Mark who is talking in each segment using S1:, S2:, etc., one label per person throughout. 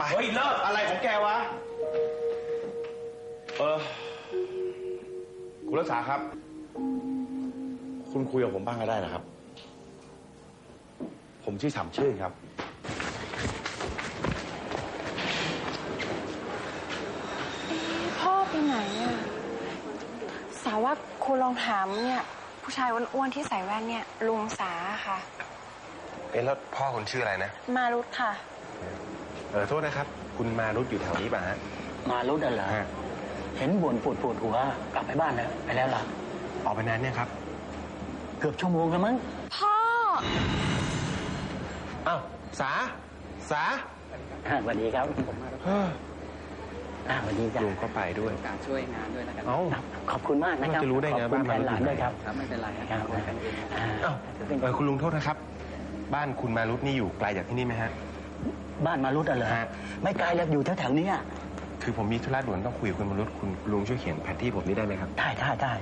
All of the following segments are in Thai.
S1: เฮ้ยเลิกอะไรของแกวะคุณรักษาครับคุณคุยกับผมบ้างก็ได้นะครับผมชื่อฉ่ำชื่นครับ
S2: พ่อไปไหนอ่ะสาว่าคุณลองถามเนี่ยผู้ชายอ้วนๆที่ใส่แว่นเนี่ยลุงสาค่ะ
S3: แล้วพ่อคุณชื่ออะไรนะ
S2: มารุตค่ะ
S3: โทษนะครับคุณมารุตอยู่แถวนี้ป่ะฮะ
S4: มารุตเหรอเห็นบ่นปวดหัวกลับไปบ้านแล้วไปแล้วล่ะ
S3: ออกไปนานเนี่ยครับ
S4: เกือบชั่วโมงแล้วมั้ง
S2: พ่อ
S3: อ้าวสา
S4: สวัสดีครับสวัสดีจ้ะ
S3: ลุงก็ไปด้วย
S5: การช่วยงานด้วยนะครับ
S4: ขอบคุณมากนะครับ
S3: จะรู้ได้ไงบ้านมารุต
S4: หลานด้วยครับ
S5: ไม่เป็นไรครับ
S3: คุณลุงโทษนะครับบ้านคุณมารุตนี่อยู่ไกลจากที่นี่ไหมฮะ
S4: บ้านมารุตเหรอไม่ไกลแล้วอยู่แถวๆนี้
S3: คือผมมีธุระด่วนต้องคุยกับคุณมารุตคุณลุงช่วยเขียนแผนที่ผมนี่ได้ไหมครับ
S4: ได้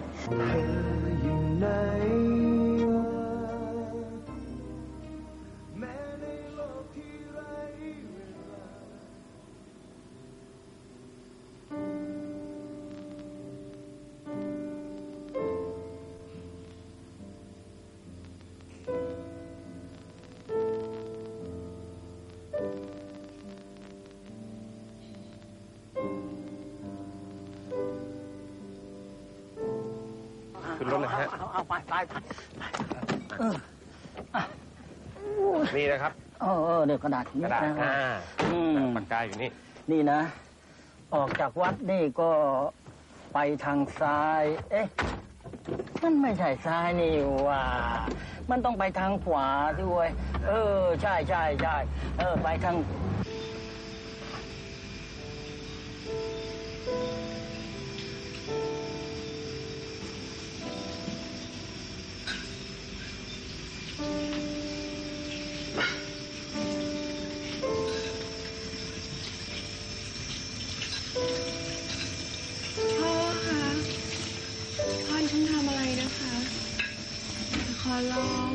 S3: ขึ้นรถเลยฮะ
S4: เอาไป
S3: นี่นะครับ
S4: เดี๋ยวกระดาษ
S3: ปากกาอยู่
S4: นี่นะออกจากวัดนี่ก็ไปทางซ้ายมันไม่ใช่ซ้ายนี่ว่ามันต้องไปทางขวาด้วยใช่ไปทาง
S2: ขอร้อง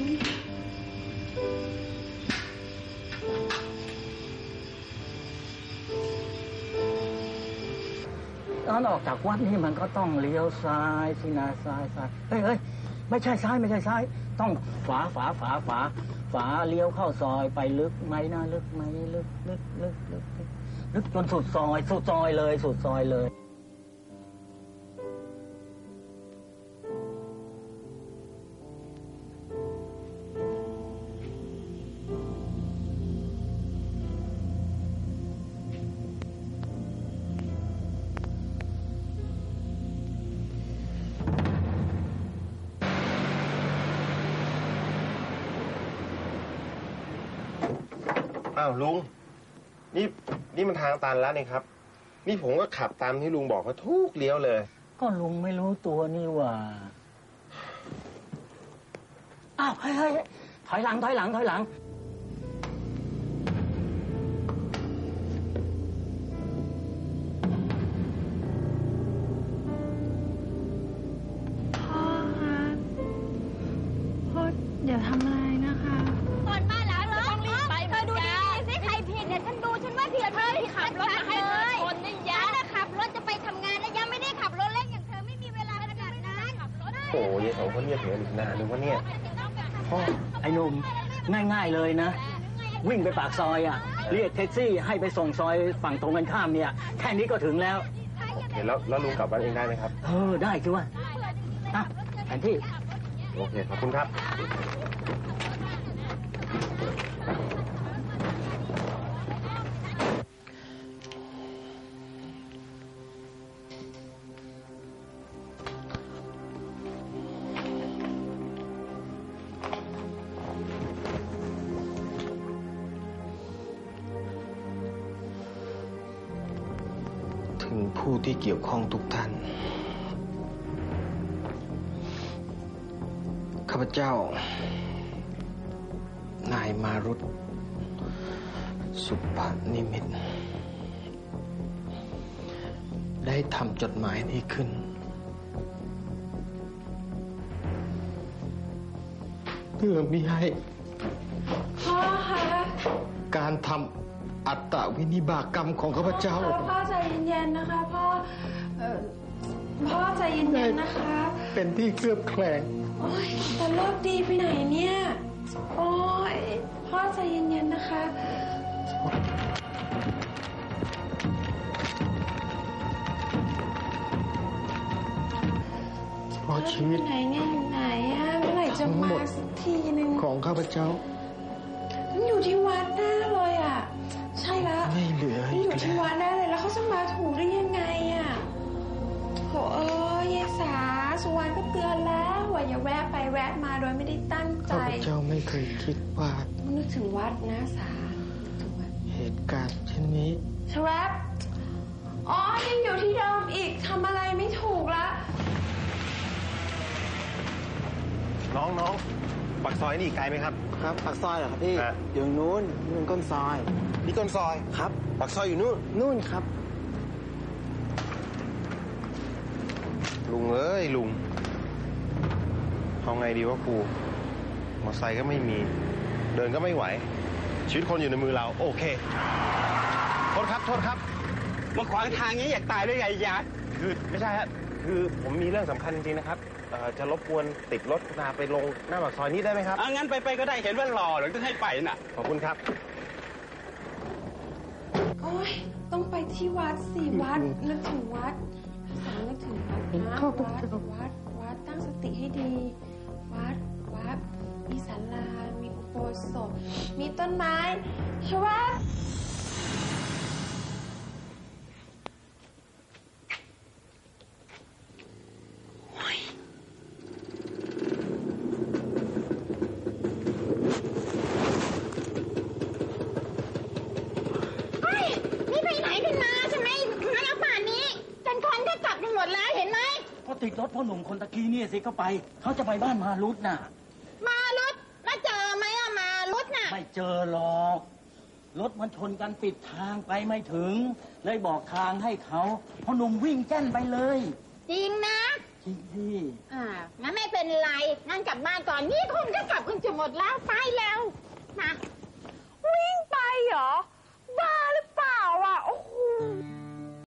S4: ตอนออกจากวัดนี่มันก็ต้องเลี้ยวซ้ายสินะซ้ายเฮ้ยไม่ใช่ซ้ายต้องฝาเลี้ยวเข้าซอยไปลึกไหมนะลึกไหมลึกจนสุดซอยเลย
S3: อ้าวลุงนี่มันทางตันแล้วนี่ครับนี่ผมก็ขับตามที่ลุงบอกว่าทุกเลี้ยวเลย
S4: ก็ลุงไม่รู้ตัวนี่ว่าอ้าวเฮ้ยถอยหลัง
S2: พ่ออย่าทำอะไรนะคะ
S6: ก่อนมาหลังต้องรีบไปเธอดูดีๆสิใครผิดเนี่ยฉันว่าผิดเธอที่ขับรถมาให้เลยคนนี่ยะฉันขับรถจะไปทำงานแล้วยังไม่ได้ขับรถเล่นอย่างเธอไม่มีเวลาขนาดนั้น
S3: โอ้ยสองคนเรียกเหนืออีกนานนึงวะเนี่ย
S4: พ่อไอ้หนุ่มง่ายๆเลยนะวิ่งไปปากซอยเรียกแท็กซี่ให้ไปส่งซอยฝั่งตรงกันข้ามเนี่ยแค่นี้ก็ถึงแล้ว
S3: โอเคแล้วลุงกลับบ้านเองได้ไหมครับ
S4: ได้สิวะแผนที่
S3: โอเคขอบคุณครับ
S7: ถึงผู้ที่เกี่ยวข้องทุกท่านข้าพเจ้านายมารุตสุภนิมิตได้ทำจดหมายนี้ขึ้นเพื่อมิให้
S2: พ่อคะ
S7: การทอัตตวินิบากกรรมของข้าพเจ้า
S2: พ่อใจเย็นๆนะคะพ่อพ่อใจเย็นๆนะคะ
S7: เป็นที่เคลือบแคลง
S2: โอ้ยแต่เลิกดีไปไหนเนี่ยโอ้ยพ่อใจเย็นๆนะคะ
S7: เพราะชีวิต
S2: ไหนเนี่ยอยู่ไหนอะเมื่อไหร่จะมาสักทีนึง
S7: ของข้าพเจ้า
S2: มันอยู่ที่วัดแน่เลยอ่ะ ใช่แล้ว
S7: ไม่เหลือ
S2: มัน
S7: อี
S2: อก ยู่ที่
S7: แล้ว
S2: วัดแน่เลยแล้วเขาจะมาถูกได้ยังไงอ่ะโถยายสาสุวรรณก็เตือนแล้วว่าอย่าแวะไปแวะมาโดยไม่ได้ตั้งใจ
S7: ข้าพเจ้าไม่เคยคิดว่า
S2: มันนึกถึงวัดนะสานึกถึงวัด
S7: เหตุการณ์เช่นนี้
S2: ชแวบอ๋อยังอยู่ที่เดิมอีกทำอะไรไม่ถูกละ
S3: น้องปากซอยนี่ไกลไหมครับ
S7: ครับปากซอยเหรอครับพี่
S3: ฮะ
S7: อยู่นู้นก้นซอย
S3: นี่ก้นซอย
S7: ครับ
S3: ปากซอยอยู่นู่น
S7: นู่นครับ
S3: ลุงเอ้ยลุงเอาไงดีวะครูมอเตอร์ไซค์ก็ไม่มี เดินก็ไม่ไหว ชีวิตคนอยู่ในมือเรา โอเค โทษครับ โทษครับ
S1: มาขวางทางนี้อยากตายได้ไงยะ
S3: คือไม่ใช่ฮะคือผมมีเรื่องสำคัญจริงๆนะครับจะรบกวนติดรถนาไปลงหน้าปากซอยนี้ได้ไหมครับ
S1: งั้นไปก็ได้เห็นว่าหล่อหรือต้องให้ไปน่ะ
S3: ขอบคุณครับ
S2: โอ้ยต้องไปที่วัดสิวัดนึกถึงวัดสานึกถึงวัดนะวัดตั้งสติให้ดี วัดมีศาลามีอุโบสถมีต้นไม้ใช่ไหม
S6: เฮ้ย นี่ไปไหนกันมาทำไมมาแล้วป่านนี้จนคนก็กลับกันหมดแล้วเห็นไหม
S4: ก็ติดรถพ่อหนุ่มคนตะกี้เนี่ยสิเขาไป เขาจะไปบ้านมารุดน่ะ
S6: มารุดแล้วเจอไหมอะมารุดน่ะ
S4: ไม่เจอหรอก รถมันชนกันปิดทางไปไม่ถึง เลยบอกทางให้เขาพ่อหนุ่มวิ่งแจ้นไปเลย
S6: จริงนะ
S4: จริงที่
S6: งั้นไม่เป็นไร งั้นกลับบ้านก่อน นี่คนก็กลับกันจะหมดแล้ว ไป